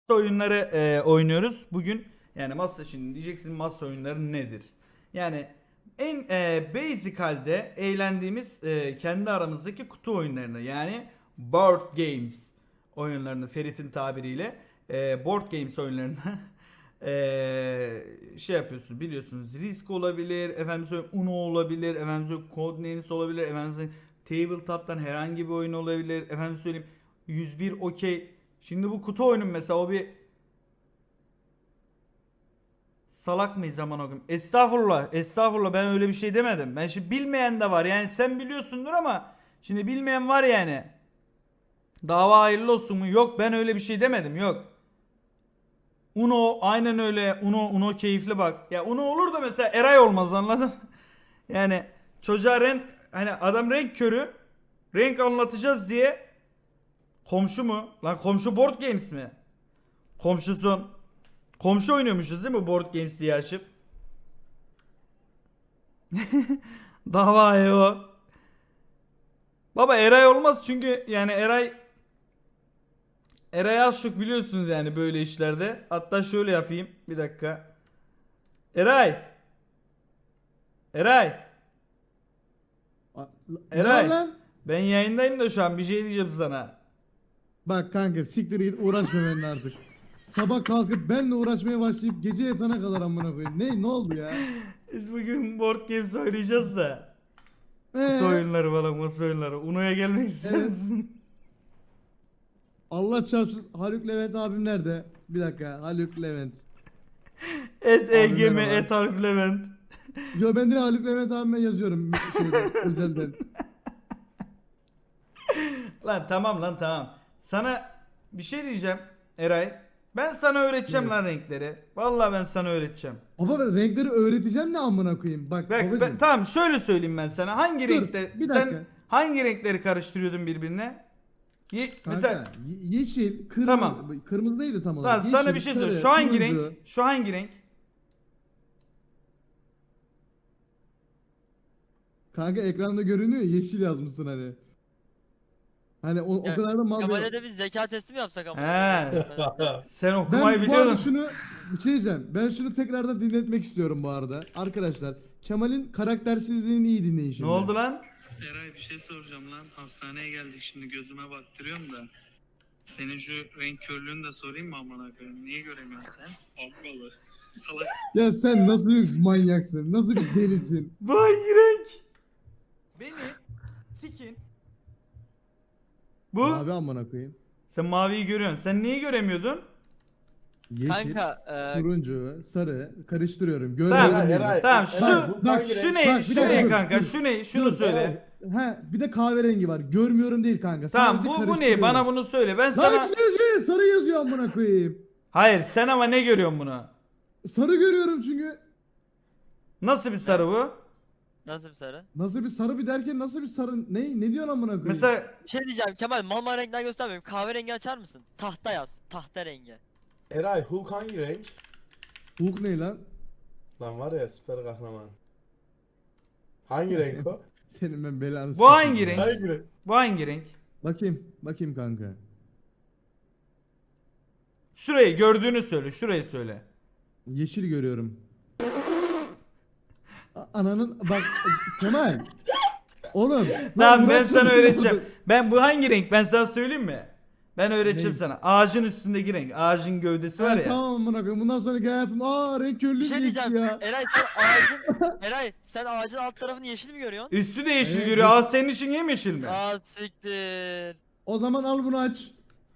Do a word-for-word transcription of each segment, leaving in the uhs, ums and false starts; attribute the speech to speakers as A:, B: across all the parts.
A: oyunları e, oynuyoruz bugün. Yani masa, şimdi diyeceksin masa oyunları nedir? Yani en e, basic halde eğlendiğimiz e, kendi aramızdaki kutu oyunlarını, yani board games oyunlarını, Ferit'in tabiriyle e, board games oyunlarını e, şey yapıyorsunuz, biliyorsunuz. Risk olabilir, efendim söyleyeyim Uno olabilir, efendim söyleyeyim Codenames olabilir, efendim söyleyeyim Tabletop'tan herhangi bir oyun olabilir, efendim söyleyeyim yüz bir okey. Şimdi bu kutu oyunu mesela, o bir salak mıyız aman okuyum. Estağfurullah, estağfurullah, ben öyle bir şey demedim. Ben şimdi bilmeyen de var. Yani sen biliyorsundur ama şimdi bilmeyen var yani. Dava hayırlı olsun mu? Yok, ben öyle bir şey demedim. Yok. Uno aynen öyle. Uno Uno keyifli bak. Ya Uno olur da mesela Eray olmaz, anladın? Yani çocuğa renk, hani adam renk körü, renk anlatacağız diye komşu mu? Lan komşu board games mi? Komşusun. Komşu oynuyormuşuz değil mi board games diye açıp? Dava o. Baba Eray olmaz çünkü yani Eray Eray az çok biliyorsunuz yani böyle işlerde. Hatta şöyle yapayım bir dakika. Eray. Eray.
B: A- Ne var
A: Eray.
B: lan?
A: Ben yayındayım da şu an bir şey diyeceğim sana.
B: Bak kanka siktir git uğraşma benimle artık. Sabah kalkıp benimle uğraşmaya başlayıp gece yatana kadar amına koyayım. Ne ne oldu ya?
A: Biz bugün board games oynayacağız da. Kutu
B: Ee,
A: oyunları falan, masa oyunları. Uno'ya gelmek ister
B: evet.
A: misin?
B: Allah çarpsın. Haluk Levent abim nerede? Bir dakika. Haluk Levent.
A: Et
B: Abi
A: E G M,
B: merhaba.
A: et Alp Levent.
B: Yo ben direkt Haluk Levent abime yazıyorum şeyden özelden.
A: Lan tamam lan tamam. Sana bir şey diyeceğim Eray. Ben sana öğreteceğim
B: Evet.
A: lan renkleri. Vallahi ben sana öğreteceğim.
B: Baba ben renkleri öğreteceğim ne amına koyayım. Bak
A: Bak ben,
B: babacım.
A: tamam şöyle söyleyeyim ben sana. Hangi
B: Dur
A: renkte
B: bir
A: sen
B: dakika.
A: hangi renkleri karıştırıyordun birbirine? Ye- mesela
B: Kanka ye- yeşil,
A: tamam.
B: kırmızı, kırmızı değildi tam
A: Lan
B: olarak.
A: sana bir
B: Yeşil,
A: şey söyle.
B: sarı,
A: Şu hangi renk?
B: turuncu.
A: Şu hangi renk?
B: Kanka ekranda görünüyor ya, yeşil yazmışsın hani. Hani o, o
C: Ya,
B: kadar da mal
C: Kemal'e
B: değil.
C: de bir zeka testi mi yapsak ama?
A: He. Sen okumayı
B: Ben bu arada
A: biliyordun.
B: şunu bir şey diyeceğim. Ben şunu tekrardan dinletmek istiyorum bu arada. Arkadaşlar Kemal'in karaktersizliğini iyi dinleyin
A: Ne
B: şimdi.
A: oldu lan?
D: Eray bir şey soracağım lan. Hastaneye geldik şimdi gözüme baktırıyorum da. Senin şu renk körlüğünü de sorayım mı amına koyayım? Niye göremiyorsun sen? Ablalı. Salak.
B: Ya sen nasıl bir manyaksın? Nasıl bir delisin?
A: Bu hangi renk? Beni sikin. Bu?
B: Mavi amına koyayım.
A: Sen maviyi görüyorsun. Sen neyi göremiyordun?
B: Yeşil,
C: Kanka e,
B: turuncu, sarı karıştırıyorum.
A: Tamam.
B: Görmüyorum değil.
E: Eray,
A: Tamam
E: Eray,
A: şu
E: bu
B: bak,
E: hangi
A: şu
E: renk?
A: ne?
B: Bak, bir
A: Şu
B: dakika,
A: ne
B: dur,
A: kanka?
B: dur,
A: Şu ne? Şunu
B: dur.
A: söyle.
B: Ha, bir de kahverengi var. Görmüyorum değil kanka.
A: Tamam
B: Sadece
A: bu bu ne?
B: karıştırıyorum.
A: Bana bunu söyle. Ben
B: Lan
A: sana
B: ikisi de yazıyor. Sarı yazıyor amına koyayım.
A: Hayır, sen ama ne görüyorsun bunu?
B: Sarı görüyorum çünkü.
A: Nasıl bir sarı bu?
C: nasıl bir sarı?
B: Nasıl bir sarı bir derken nasıl bir sarı? Ne ne diyorsun amına koyayım?
A: Mesela
C: Bir şey diyeceğim Kemal, mal renkler göstermiyorum. Kahverengi açar mısın? Tahta yaz. Tahta rengi.
E: Eray, Hulk hangi renk?
B: Hulk ne lan?
E: Lan var ya süper kahraman. Hangi renk o?
B: Senin ben belanı
A: bu
B: sikeyim
A: hangi
B: ya.
A: renk?
E: Hangi renk?
A: Bu hangi renk?
B: Bakayım. Bakayım kanka.
A: Şurayı gördüğünü söyle. Şurayı söyle.
B: Yeşil görüyorum. A- Ananın bak Kemal. Oğlum. lan
A: Tamam ben
B: Murat
A: sana
B: çok-
A: öğreteceğim. Ben bu hangi renk? Ben sana söyleyeyim mi? Ben öğreteceğim
B: Ne?
A: sana. Ağacın üstündeki renk. Ağacın gövdesi var
B: Ha,
A: ya.
B: tamam amına koyayım. Bundan sonraki hayatım aa renk körlüğü
C: Bir şey
B: geçti
C: diyeceğim.
B: ya.
C: Eray sen ağacın Eray sen ağacın alt tarafını yeşil mi görüyorsun?
A: Üstü de yeşil
B: Evet,
A: görüyor.
B: bu-
A: Aa, senin için yemyeşil mi?
C: Aa siktir.
B: O zaman al bunu aç.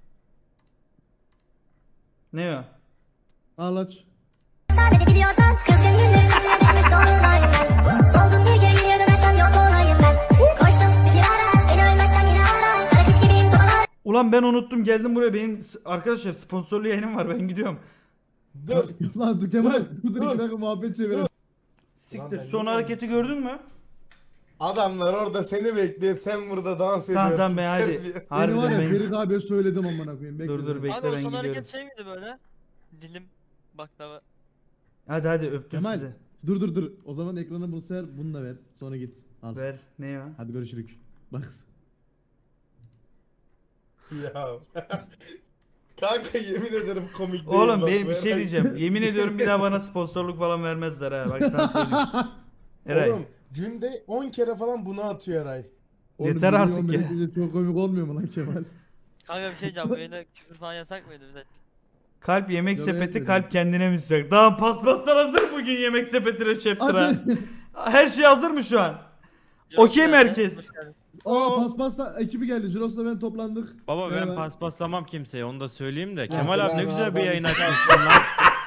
A: Ne o?
B: Al aç.
F: Sadece biliyorsan kızgın günlerin üstüne düşmüş dolunayım ben. Soldum bir kere geriye dönersem yok olayım ben. Koştum bir ara beni ölmezsen yine ara. Kara kış gibiyim sobalar.
A: Ulan ben unuttum, geldim buraya. Benim s- arkadaşlar sponsorlu yayınım var, ben gidiyorum.
E: Dur.
B: Lan dur Kemal. Dur dur
E: dur.
B: iki dakika muhabbet çevirelim.
A: Siktir.
E: ben
A: Son
E: yine-
A: hareketi gördün mü?
E: Adamlar orada seni bekliyor, sen burada dans ediyorsun.
A: Tamam tamam ben hadi.
E: Terbiye.
B: Seni
A: Harbiden
B: var ya
A: ben-
B: Ferit abiye söyledim amına koyayım. Bekle
A: Dur, dur,
B: sen.
A: bekle.
C: Kanka o
A: ben
C: son
A: gidiyorum.
C: hareket şey miydi böyle? Dilim baklava.
A: Hadi hadi öptüm
B: Kemal.
A: sizi.
B: Dur dur dur. O zaman ekranı bu sefer bunu da ver. Sonra git. Al.
A: Ver. Ne ya?
B: Hadi görüşürük. Bak.
E: Ya. Kanka yemin ederim komik değil.
A: Oğlum
E: bak,
A: ben bir
E: bu
A: şey
E: Eray.
A: diyeceğim. Yemin ediyorum bir daha bana sponsorluk falan vermezler ha. Bak sana söyleyeyim. Eray.
E: Oğlum günde on kere falan bunu atıyor Eray.
B: Oğlum,
A: Yeter
B: milyon
A: artık ya.
B: bekleyince çok komik olmuyor mu lan Kemal?
C: Kanka bir şey diyeceğim. Bu yayında küfür falan yasak mıydı bize?
A: Kalp yemek
B: Yok,
A: sepeti
B: etmedim.
A: kalp kendine müsait. Daha paspaslar hazır bugün yemek sepetine chapter'a.
B: Aç.
A: Her şey hazır mı şu an? Okey mi herkes?
B: Aa paspasla ekibi geldi. Jiros'la ben toplandık.
G: Baba ben
B: Merhaba.
G: paspaslamam kimseye onu da söyleyeyim de.
E: Ya
G: Kemal abi ne
E: selam
G: güzel
E: abi,
G: bir
E: ben-
G: yayın açmışsın lan.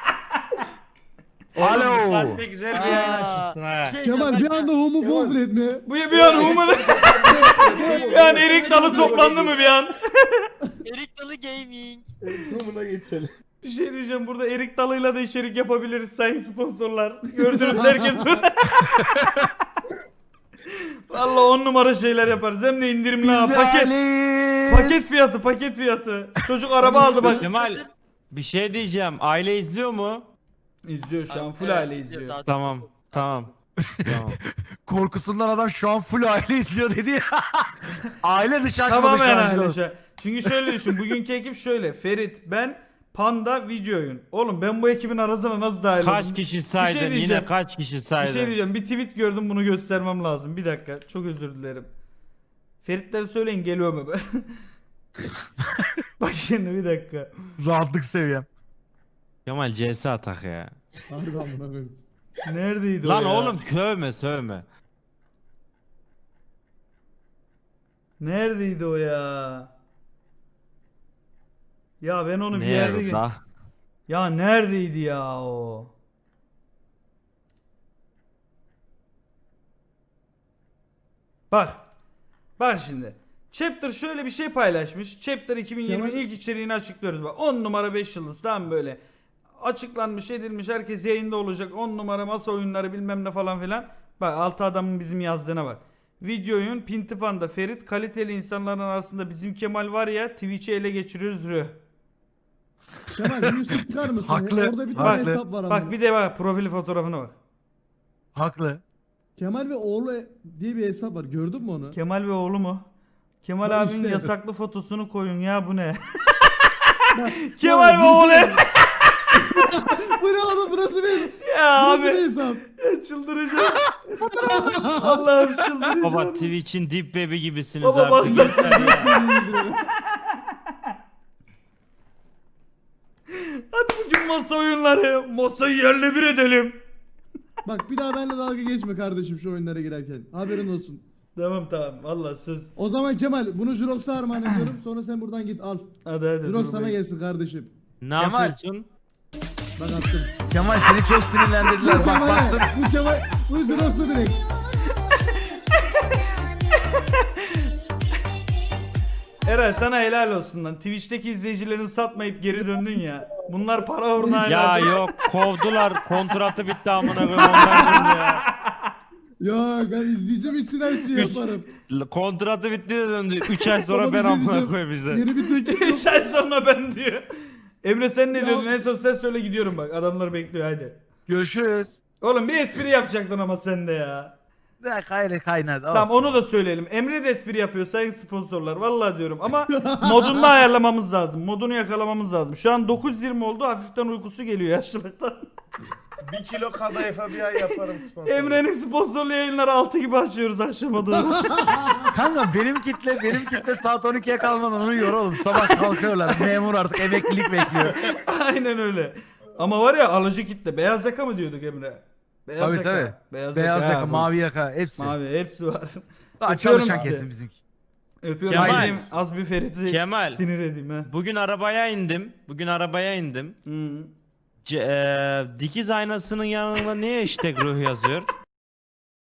H: Alo.
G: Oğlum, ne güzel bir yayın
C: Aa,
G: açmışsın ha.
C: bir şey
B: Kemal bir
C: diyeceğim,
B: anda homofob etme.
A: Bu bir an human. bir an erik dalı toplandı mı bir an?
C: ben- Erik Dalı Gaming.
E: Durumuna geçelim.
A: Bir şey diyeceğim burada erik dalıyla da içerik yapabiliriz sayın sponsorlar. Gördünüz herkes. Valla on numara şeyler yaparız. Hem de indirimli ha. Paket, paket fiyatı paket fiyatı. Çocuk araba aldı bak.
G: Kemal bir şey diyeceğim. Aile izliyor mu?
A: İzliyor şu an
C: Abi,
A: full
C: evet,
A: aile
C: izliyorum
A: izliyor.
C: zaten.
G: Tamam. Tamam. Tamam.
H: Korkusundan adam şu an full aile izliyor dedi ya. Aile dışı açmadı
A: Tamamen
H: şu an.
A: aile
H: Jiros.
A: şu an. Çünkü şöyle düşün. Bugünkü ekip şöyle. Ferit, ben, Panda, Video Oyun. Oğlum ben bu ekibin arasına nasıl dahil oldum?
G: Kaç kişi saydın?
A: diyeceğim.
G: Yine kaç kişi
A: Bir
G: saydın?
A: şey diyeceğim. Bir tweet gördüm bunu göstermem lazım. Bir dakika. Çok özür dilerim. Feritler söyleyin geliyor mu ben? Bak şimdi bir dakika.
H: Rahatlık seviyem.
G: Kemal C S atak ya.
B: Harbi amına koyayım.
A: Neredeydi
G: Lan
A: o ya?
G: oğlum sövme sövme.
A: Neredeydi o ya? Ya ben onu bir yerde... gö-
G: Nerede?
A: Ya neredeydi ya o? Bak. Bak şimdi. Chapter şöyle bir şey paylaşmış. Chapter iki bin yirmi
B: Kemal-
A: ilk içeriğini açıklıyoruz. Bak on numara beş yıldız tam böyle. Açıklanmış edilmiş herkes yayında olacak. on numara masa oyunları bilmem ne falan filan. Bak altı adamın bizim yazdığına bak. Video oyun Pinti Panda Ferit kaliteli insanların arasında bizim Kemal var ya Twitch'i ele geçiriyoruz rüh.
B: Kemal bir üstü çıkar mısın?
H: Haklı,
B: Orada bir tane
H: haklı.
B: hesap var ama.
A: Bak bir de bak profil fotoğrafına bak.
H: Haklı.
B: Kemal ve oğlu diye bir hesap var. Gördün mü onu?
A: Kemal ve oğlu mu? Kemal
B: Bak
A: abinin
B: işte.
A: yasaklı fotosunu koyun ya bu ne?
B: Bak,
A: Kemal
B: ya,
A: ve oğlu.
B: Bu ne oğlum burası bir,
A: Ya
B: burası bir
A: abi
B: hesap.
A: çıldıracağım. Allah'ım çıldıracağım.
G: Baba Twitch'in deep web'i gibisiniz
A: Baba bak-
G: artık. Yeter ya.
A: Hadi bugün masa oyunları. Masayı yerle bir edelim.
B: Bak bir daha benimle dalga geçme kardeşim şu oyunlara girerken. Haberin olsun.
A: Tamam tamam vallahi söz.
B: O zaman Kemal bunu Jirox'a armağan ediyorum. Sonra sen buradan git al.
A: Hadi hadi.
B: Jirox
A: dur
B: sana
A: be.
B: gelsin kardeşim.
G: Ne
H: Kemal.
G: yapıyorsun?
B: Bak attım.
H: Kemal seni çok sinirlendirdiler.
B: Bu
H: Bak
B: Kemal'e,
H: baktım.
B: bu Kemal, bu Jirox'a direkt.
A: Eray sana helal olsun lan. Twitch'teki izleyicilerini satmayıp geri döndün ya. Bunlar para uğruna
G: Ya
A: helal.
G: yok kovdular kontratı bitti amına koyayım ondan döndü ya.
B: Ya ben izleyeceğim için her şeyi
G: Üç-
B: yaparım.
G: L- Kontratı bitti de döndü. üç ay sonra
B: Baba
G: ben
B: bir şey
G: amına
B: diyeceğim.
G: koyayım işte.
B: Yeni bir teklif yok.
A: Üç ay sonra ben diyor. Emre sen ne
B: Ya-
A: diyordun? En son sen söyle gidiyorum bak. Adamlar bekliyor hadi.
H: Görüşürüz.
A: Oğlum bir espri yapacaktın ama sen de ya.
H: Ne kaynadı kaynadı.
A: Tamam
H: olsun.
A: onu da söyleyelim. Emre de espri yapıyor sayın sponsorlar. Vallahi diyorum ama modunu da ayarlamamız lazım. Modunu yakalamamız lazım. Şu an dokuz yirmi oldu. Hafiften uykusu geliyor yaşlılıktan.
E: Bir kilo kadayıfa bir ay yaparım sponsor.
A: Emre'nin sponsorlu yayınları altı gibi açıyoruz akşama doğru.
H: Kanka benim kitle benim kitle saat on ikiye kalmadan uyuyor oğlum. Sabah kalkıyorlar. Memur artık emeklilik bekliyor.
A: Aynen öyle. Ama var ya alıcı kitle. Beyaz yaka mı diyorduk Emre? Beyaz
H: Tabii
A: yaka.
H: tabii.
A: Beyaz,
H: Beyaz yaka,
A: ha, bu.
H: mavi yaka hepsi.
A: Mavi hepsi var.
H: Daha
A: Öpüyorum
H: çalışan
A: sizi.
H: kesin bizimki.
A: Öpüyorum.
G: Kemal.
A: Gideyim, az bir Ferit'i
G: Kemal.
A: sinir edeyim ha.
G: Bugün arabaya indim. Bugün arabaya indim.
A: Hı.
G: C- eee, dikiz aynasının yanına niye hashtag ruh yazıyor?